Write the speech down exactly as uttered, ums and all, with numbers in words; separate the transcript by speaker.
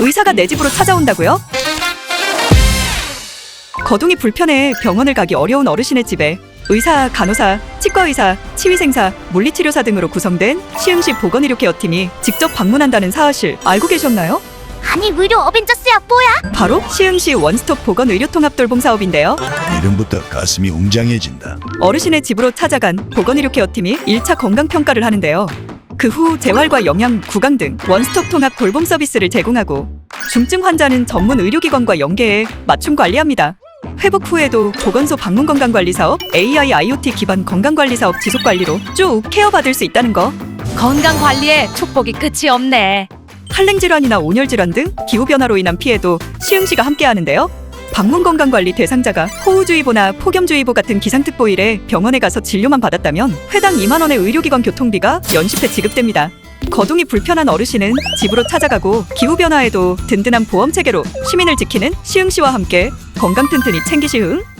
Speaker 1: 의사가 내 집으로 찾아온다고요? 거동이 불편해 병원을 가기 어려운 어르신의 집에 의사, 간호사, 치과의사, 치위생사, 물리치료사 등으로 구성된 시흥시 보건의료케어팀이 직접 방문한다는 사실 알고 계셨나요?
Speaker 2: 아니 의료 어벤져스야 뭐야?
Speaker 1: 바로 시흥시 원스톱 보건의료통합돌봄 사업인데요.
Speaker 3: 이름부터 가슴이 웅장해진다.
Speaker 1: 어르신의 집으로 찾아간 보건의료케어팀이 일 차 건강평가를 하는데요. 그 후 재활과 영양, 구강 등 원스톱 통합 돌봄 서비스를 제공하고 중증 환자는 전문 의료기관과 연계해 맞춤 관리합니다. 회복 후에도 보건소 방문 건강관리 사업, 에이아이 아이오티 기반 건강관리 사업 지속 관리로 쭉 케어받을 수 있다는 거.
Speaker 4: 건강관리에 축복이 끝이 없네.
Speaker 1: 한랭질환이나 온열질환 등 기후변화로 인한 피해도 시흥시가 함께하는데요. 방문 건강관리 대상자가 호우주의보나 폭염주의보 같은 기상특보 일에 병원에 가서 진료만 받았다면 회당 이만 원의 의료기관 교통비가 연시패 지급됩니다. 거동이 불편한 어르신은 집으로 찾아가고 기후변화에도 든든한 보험체계로 시민을 지키는 시흥시와 함께 건강 튼튼히 챙기시흥.